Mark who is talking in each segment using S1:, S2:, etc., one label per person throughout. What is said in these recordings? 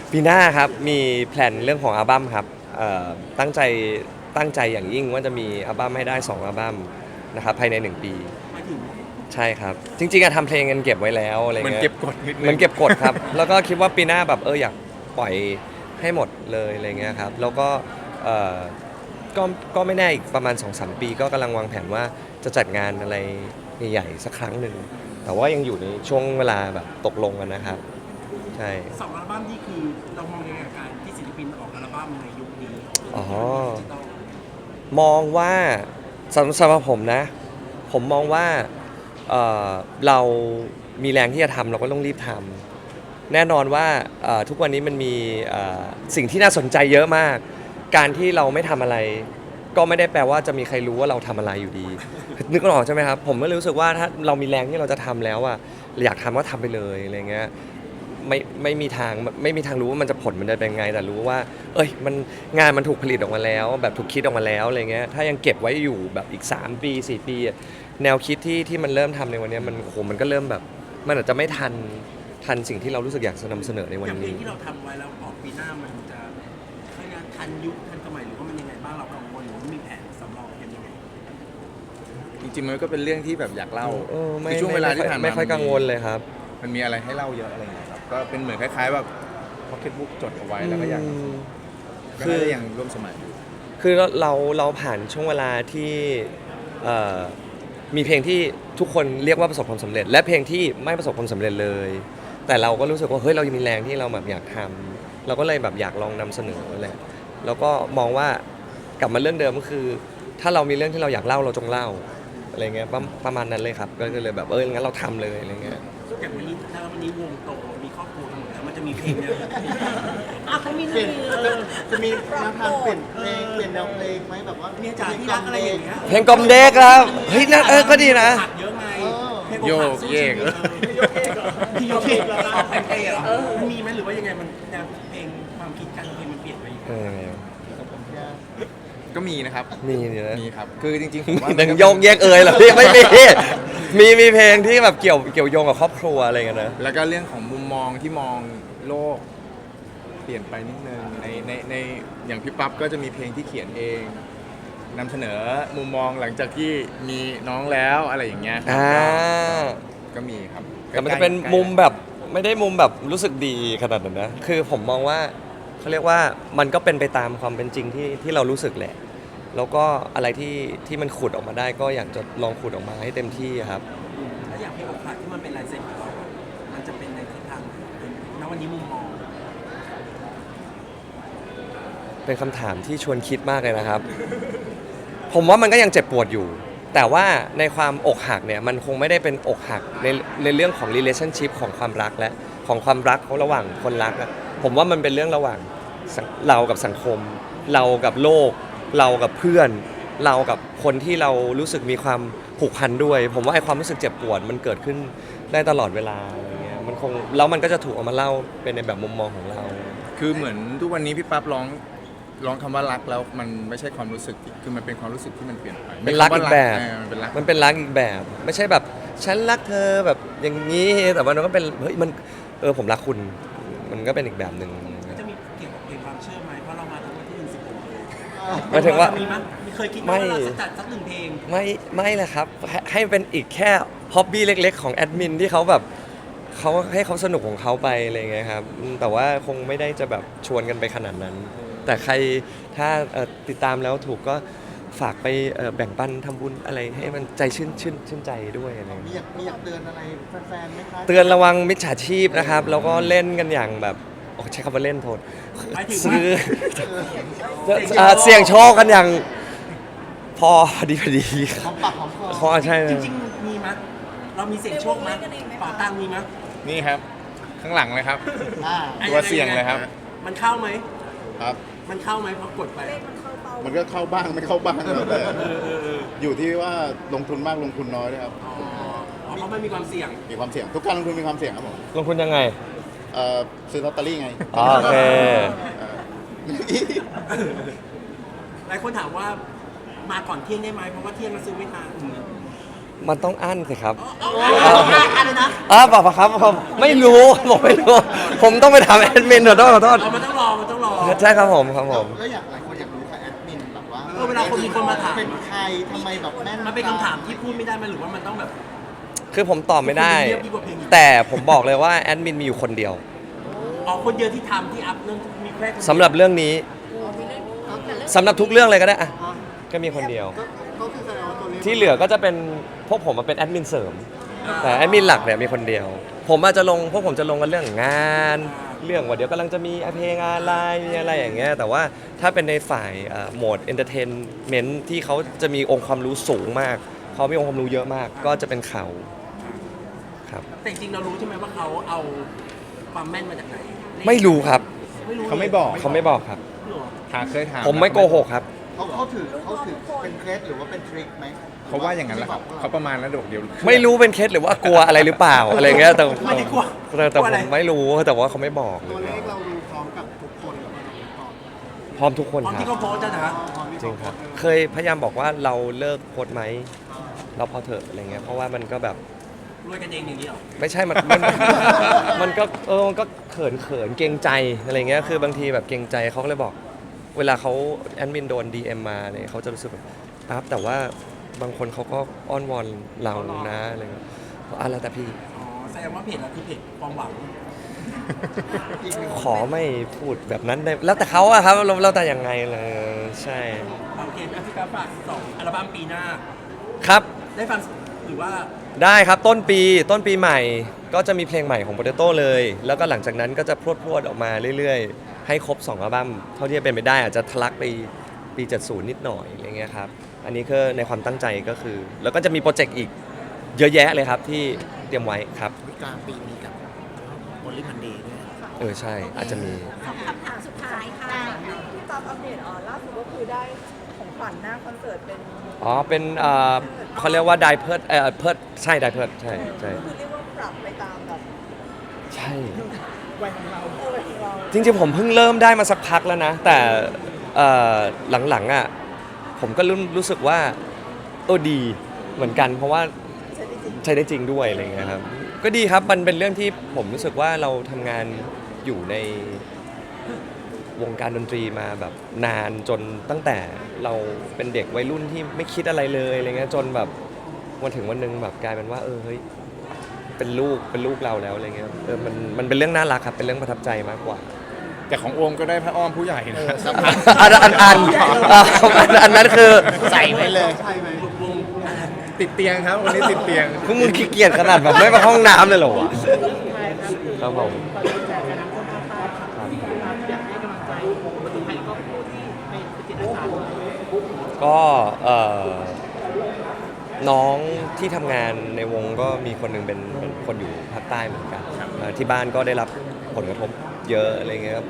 S1: ปีหน้าครับมีแพลนเรื่องของอัลบั้มครับตั้งใจตั้งใจอย่างยิ่งว่าจะมีอัลบั้มให้ได้2อัลบั้มนะครับภายใน1ปี
S2: หมายถึง
S1: ใช่ครับจริงๆอะทำเพลงกันเก็บไว้แล้วอะไร
S3: มัน
S1: เงี้ย
S3: เก็บกดนิดนึง
S1: มันเก็บกดครับแล้วก็คิดว่าปีหน้าแบบอยากปล่อยให้หมดเลยอะไรเงี้ยครับแล้วก็เอ่อก็ก็ไม่แน่อีกประมาณ2-3 ปีก็กำลังวางแผนว่าจะจัดงานอะไรใหญ่ๆสักครั้งหนึ่งแต่ว่ายังอยู่ในช่วงเวลาแบบตกลงกันนะครับใช่
S2: สองอัลบั้มนี่คือเรามองยังไงกับการที่ศิลปินออกอัลบั้มในยุคนี้
S1: อ๋อ
S2: ดิจิตอล
S1: มองว่าสำหรับผมนะ ผมมองว่าเอ่อเรามีแรงที่จะทำเราก็ต้องรีบทำแน่นอนว่าทุกวันนี้มันมีสิ่งที่น่าสนใจเยอะมาก การที่เราไม่ทำอะไร ก็ไม่ได้แปลว่าจะมีใครรู้ว่าเราทำอะไรอยู่ดี นึกออกใช่ไหมครับผมก็รู้สึกว่าถ้าเรามีแรงที่เราจะทำแล้วอะอยากทำก็ทำไปเลยอะไรเงี้ยไม่มีทางรู้ว่ามันจะผลมันจะเป็นไงแต่รู้ว่ามันงานมันถูกผลิตออกมาแล้วแบบถูกคิดออกมาแล้วอะไรเงี้ยถ้ายังเก็บไว้อยู่แบบอีก3 ปี4 ปีอะแนวคิดที่มันเริ่มทำในวันนี้มันโหมันก็เริ่มแบบมันอาจจะไม่ทันสิ่งที่เรารู้สึกอยากจะนำเสนอในวัน
S2: อย่างเพลง
S1: นี้
S2: ที่เราทำไว้แล้วออกปีหน้ามันจะทันยุคทันสมัยหรือว่ามันยังไงบ้างเรากังวลหรือว่ามีแผนสำรองกันยังไง
S3: จริงๆมันก็เป็นเรื่องที่แบบอยากเล่า
S1: ไม่
S3: คือช่วงเวลาที่ผ่านมา
S1: ไม่ค่อยกังวลเลยครับ
S3: มันมีอะไรให้เล่าเยอะอะไรอย่างเงี้ยครับก็เป็นเหมือนคล้ายๆแบบพ็อกเก็ตบุ๊กจดเอาไว้แล้วก็ยังก็น่าจะยังร่วมสมัยอยู่
S1: คือเราผ่านช่วงเวลาที่เอ่อมีเพลงที่ทุกคนเรียกว่าประสบความสำเร็จและเพลงที่ไม่ประสบความสำเร็จเลยแต่เราก็รู้สึกว่าเฮ้ยเรายังมีแรงที่เราแบบอยากทำเราก็เลยแบบอยากลองนำเสนอแหละแล้วก็มองว่ากลับมาเรื่องเดิมก็คือ ถ้าเรามีเรื่องที่เราอยากเล่าเราจงเล่าอะไรเงี้ยประมาณนั้นเลยครับก็เลยแบบงั้นเราทำเลยอะไรเงี้ย
S2: อย่างวันนี้ถ้าวันนี้วงโตมีครอบครัวกันหมดแล้วมันจะมีเพลงแนวไหน
S4: เขามีจะมีแนวทางเปลี่ยนเพลงเปลี่ยนแนวเพลงไหมแบบว่า
S2: เนี่ยจ๋าที่รักอะไรอย่างเงี้ย
S1: เพลงกลอมเด็กครับเฮ้ยนั่นก็ดีนะ
S2: ผักเยอะไงเพลง
S3: โย
S2: ผั
S3: ก
S2: สู้
S3: เยก
S2: ชีวิตพี่โยกเยกเหรอเพลงเต้เหรอมันมีไหมหรือว่ายังไงมันแนวเพลงความคิดการเพลงมันเปลี่ยนไปยังไง
S3: ก็มีนะครับ
S1: มีนี่นะ
S3: มีครับคือจริงๆผมว่า
S1: ดังโยงแยกเหรอพี่ไม่มีเพลงที่แบบเกี่ยวโยงกับครอบครัวอะไรกันนะ
S3: แล้วก็เรื่องของมุมมองที่มองโลกเปลี่ยนไปนิดนึงในอย่างพี่ปั๊บก็จะมีเพลงที่เขียนเองนำเสนอมุมมองหลังจากที่มีน้องแล้วอะไรอย่างเงี้ยครับก็มีครับ
S1: แต่มันจะเป็นมุมแบบไม่ได้มุมแบบรู้สึกดีขนาดนั้นนะคือผมมองว่าเขาเรียกว่ามันก็เป็นไปตามความเป็นจริงที่เรารู้สึกแหละแล้วก็อะไรที่มันขุดออกมาได้ก็อยากจะลองขุดออกมาให้เต็มที่ครับ
S2: ถ้าอยากเพลงอกหักที่มันเป็นลายเซ็นของเรามันจะเป็นในทิศทางไหนณวันนี้มุมมอง
S1: เป็นคำถามที่ชวนคิดมากเลยนะครับ ผมว่ามันก็ยังเจ็บปวดอยู่ แต่ว่าในความอกหักเนี่ยมันคงไม่ได้เป็นอกหักในเรื่องของ relationship ของความรักและของความรักของระหว่างคนรักอะผมว่ามันเป็นเรื่องระหว่างเรากับสังคม เรากับโลก เรากับเพื่อน เรากับคนที่เรารู้สึกมีความผูกพันด้วย ผมว่าไอ้ความรู้สึกเจ็บปวดมันเกิดขึ้นได้ตลอดเวลาอะไรเงี้ยมันคงแล้วมันก็จะถูกเอามาเล่าเป็นในแบบมุมมองของเรา
S3: คือเหมือนทุกวันนี้พี่ปั๊บร้องคำว่ารักแล้วมันไม่ใช่ความรู้สึกคือมันเป็นความรู้สึกที่มันเปลี่ยนไป
S1: เป็นรักอีกแบบ
S3: มันเป็นรัก
S1: อีกแบบ ไม่ใช่แบบฉันรักเธอแบบอย่างนี้แต่ว่ามันก็เป็นเฮ้ยมันผมรักคุณมันก็เป็นอีกแบบหนึ่ง
S2: จะมีเกี่ยวกับเพลงความเชื่อไหมเพราะเรามาทั้งวันที่16
S1: หมายถึงว่า
S2: มีเคยคิดว่าเราจะจัดสัก1 เพลง
S1: ไม่เลยครับให้เป็นอีกแค่ฮ็อบบี้เล็กๆของแอดมินที่เขาแบบเขาให้เขาสนุกของเขาไปอะไรเงี้ยครับแต่ว่าคงไม่ได้จะแบบชวนกันไปขนาดนั้น แต่ใครถ้าติดตามแล้วถูกก็ฝากไปแบ่งปันทำบุญอะไรให้มันใจชื่นใจด้วยอะไร
S4: มีอยากเตือนอะไรแฟนๆไหมคะ
S1: เตือนระวังมิจฉาชีพนะครับแล้วก็เล่นกันอย่างแบบใช้คำว่าเล่นโทษซื้อเสี่ยงโชคกันอย่างพอดี
S4: หอมปากหอมคอ
S1: ใช่
S2: จริงๆมีมั้ยเรามีเสี่ยงโชคมั้ยเป่าตังมีมั้ย
S3: นี่ครับข้างหลังเลยครับ
S4: อ่า
S3: ตัวเสี่ยงเลยครับ
S2: มันเข้าไหม
S5: ครับ
S2: มันเข้าไหมพอกดไป
S5: มันก็เข้าบ้างไม่เข้าบ้างแล้วแต่อยู่ที่ว่าลงทุนมากลงทุนน้อยด้วยครับ
S2: เพราะมันมีความเสี่ยง
S5: มีความเสี่ยงทุกการลงทุนมีความเสี่ยงครับผม
S1: ลงทุนยังไง
S5: ซื้อลอตเตอรี่ไง
S1: โอเค
S2: หลายคนถามว่ามาก่อนเที่ยงได้ไหมเพราะว่าเที่ยงเราซื้อไม่ทัน
S1: มันต้องอั้นสิครับ
S2: อะไรนะ
S1: บอกปะครับผมไม่รู้ผมไม่รู้ ผมต้องไปถามแอดมินขอโทษขอโทษ
S2: มันต้องรอมันต้องรอ
S1: ใช่ครับผมครับผม
S4: แล้วอยากหลายคนอยากรู้ค่ะแอดมินแบบว่า
S2: เวลาคนมีคนมาถาม
S4: เป็นใครทำไมแบบแม่น
S2: มันเป็นคำถามที่พูดไม่ได้ไหมหรือว่ามันต้องแบบ
S1: คือผมตอบไม่ได้
S2: เรียบดีกว่าเพลงอีก
S1: แต่ผมบอกเลยว่าแอดมินมีอยู่คนเดียว
S2: อ๋อคนเดียวที่ทำที่อัพเรื่องมีแค่คนเดียว
S1: สำหรับเรื่องนี้สำหรับทุกเรื่องเลยก็ได้อะก็มีคนเดียว
S4: ก็คือแสดงว่าตัวเลข
S1: ที่เหลือก็จะเป็นพวกผมมาเป็นแอดมินเสริม แต่แอดมินหลักเนี่ยมีคนเดียว ผมอาจจะลงพวกผมจะลงกันเรื่องงาน เรื่องว่าเดี๋ยวกำลังจะมีเพลงอะไรมีอะไรอย่างเงี้ยแต่ว่าถ้าเป็นในฝ่ายโหมดเอนเตอร์เทนเมนต์ที่เขาจะมีองค์ความรู้สูงมาก เขามีองค์ความรู้เยอะมาก ก็จะเป็นเขาครับ
S2: แต่จริงๆเรารู้ใช่ไหมว่าเขาเอาความแม่นมาจากไหน
S1: ไม่รู้ครับ
S2: ไม่รู้
S3: เขาไม่บอก
S1: เขาไม่บอกครับ
S2: หรอ
S3: เคยถาม
S1: ผมไม่โกหกครับ
S4: เขาถือเป็นเคล็ดหรือว่าเป็นทริคไหม
S3: เขาว่าอย่างนั้นแหละครับเขาประมาณนั้นเดี๋ยว
S1: ไม่รู้เป็นเคสหรือว่ากลัวอะไรหรือเปล่าอะไรเงี้ยแต่
S2: ไม่ได้กลัว
S1: แต่ผมไม่รู้แต่ว่าเขาไม่บอกเล
S4: ตัวย เลขเราดูพร้อมกับทุกคนหรือเปล่า
S1: พร้อมทุกคน
S2: ตอน
S1: ครั
S2: ที่
S1: บ
S2: เขาโพสต์นะ
S1: จริงครับ เคยพยายามบอกว่าเราเลิกโพสต์ไหมเราพอเถอะอะไรเงี้ยเพราะว่ามันก็แบบ
S2: รวยกันเองอย่างนี้หรอ
S1: ไม่ใช่มันก็มันก็เขินเกรงใจอะไรเงี้ยคือบางทีแบบเกรงใจเขาก็เลยบอก เวลาเขาแอดมินโดน DM มาเนี่ยเขาจะรู้สึกแบบปั๊บแต่ว่าบางคนเขาก็อ้อนวอนเรานะอะไรเงี้ยแล้วแต่พี่
S2: อ๋อแสดงว่าเพจเราคือเพจความหวัง
S1: ขอไม่พูดแบบนั้นได้แล้วแต่เขาอะครับเราแต่ยังไงเลยใช่
S2: โอเคพี่กราฟฝาก2 อัลบั้มปีหน้า
S1: ครับ
S2: ได้ฟังหรือว่า
S1: ได้ครับต้นปีใหม่ก็จะมีเพลงใหม่ของ Potato เลย แล้วก็หลังจากนั้นก็จะพรวดออกมาเรื่อยๆ ให้ครบ 2 อัลบั้มเท่าที่จะเป็นไปได้อาจจะทะลักไปปี 70 นิดหน่อยอะไรเงี้ยครับอันนี้คือในความตั้งใจก็คือ แล้วก็จะมีโปรเจกต์อีกเยอะแยะเลยครับที่เตรียมไว้ครับ
S4: กลางปีนี้กับโอลิมันเดย์ด้วย
S1: ใช่อาจจะมี
S6: คำถามสุดท้ายค่ะที่ตามอัปเดตล่าสุดก็คือได้ของขวัญหน้าคอนเสิร์ตเป็น
S1: เป็นเขาเรียกว่าไดเพิร์ดเพิร์ดใช่ไดเพิร์ดใช่
S6: คือเรียกว่าปรับไปตามแบบ
S1: ใช่
S6: วัยของเราวัยของเรา
S1: จริงๆผมเพิ่งเริ่มได้มาสักพักแล้วนะ แต่หลังๆอ่ะผมก็รู้สึกว่าดีเหมือนกันเพราะว่า
S6: ใช่ได้จริง
S1: ใช้ได้จริงด้วยอะไรเงี้ยครับก็ดีครับมันเป็นเรื่องที่ผมรู้สึกว่าเราทำงานอยู่ในวงการดนตรีมาแบบนานจนตั้งแต่เราเป็นเด็กวัยรุ่นที่ไม่คิดอะไรเลยอะไรเงี้ยจนแบบวันถึงวันหนึงแบบกลายเป็นว่าเฮ้ยเป็นลูกเราแล้วอะไรเงี้ยมันเป็นเรื่องน่ารักครับเป็นเรื่องประทับใจมากกว่า
S3: แต่ของโอมก็ได้พระอ้อมผู้ใหญ่นะ
S1: อันนั้นคือ
S4: ใส่ไว้เลยใช่ไหม
S3: ติดเตียงครับวันนี้ติดเตียง
S1: พวกมึงขี้เกียจขนาดแบบไม่ไปห้องน้ำเลยเหรอวะครับผมก็น้องที่ทำงานในวงก็มีคนหนึ่งเป็นคนอยู่ภาคใต้เหมือนกันที่บ้านก็ได้รับผลกระทบเยอะอะไรเงี้ยครับ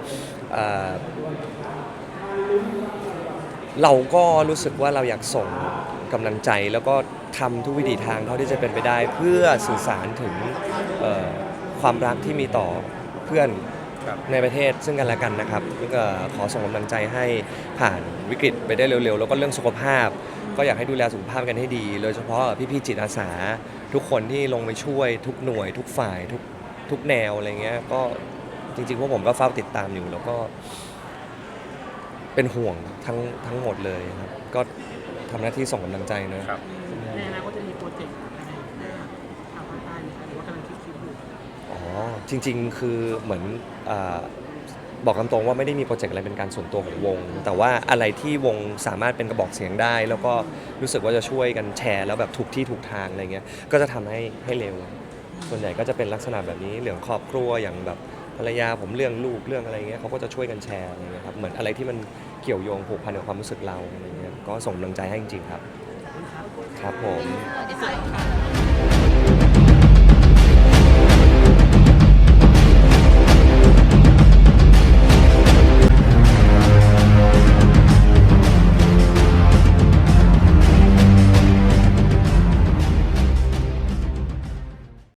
S1: เราก็รู้สึกว่าเราอยากส่งกำลังใจแล้วก็ทำทุกวิถีทางเท่าที่จะเป็นไปได้ เพื่อสื่อสารถึงความรักที่มีต่อเพื่อน
S3: ครับ
S1: ในประเทศซึ่งกันและกันนะครับแล้วก็ขอส่งกำลังใจให้ผ่านวิกฤตไปได้เร็วๆแล้วก็เรื่องสุขภาพ ก็อยากให้ดูแลสุขภาพกันให้ดี โดยเฉพาะพี่ๆจิตอาสาทุกคนที่ลงไปช่วยทุกหน่วยทุกฝ่ายทุกแนวอะไรเงี้ยก็จริงๆพวกผมก็เฝ้าติดตามอยู่แล้วก็เป็นห่วงทั้งหมดเลยครับก็ทำหน้าที่ส่งกำลังใจนะครับ
S2: ในอนาคตจะมีโปรเจกต์อะไรได้ทางภาคใต้ไหมคะหรือว่ากำลังคิดอยู่
S1: อ๋อจริงๆคือเหมือนบอกตามตรงว่าไม่ได้มีโปรเจกต์อะไรเป็นการส่วนตัวของวง แต่ว่าอะไรที่วงสามารถเป็นกระบอกเสียงได้ แล้วก็รู้สึกว่าจะช่วยกันแชร์แล้วแบบถูกที่ถูกทางอะไรเงี้ยก็จะทำให้เร็ว ส่วนใหญ่ก็จะเป็นลักษณะแบบนี้เรื่องครอบครัวอย่างแบบภรรยาผมเรื่องลูกเรื่องอะไรเงี้ยเขาก็จะช่วยกันแชร์อะไรเงี้ยครับเหมือนอะไรที่มันเกี่ยวโยงผูกพันกับความรู้สึกเราอะไรเงี้ยก็ส่งกำลังใจให้จริงๆครับครับผม
S6: เดี๋ยว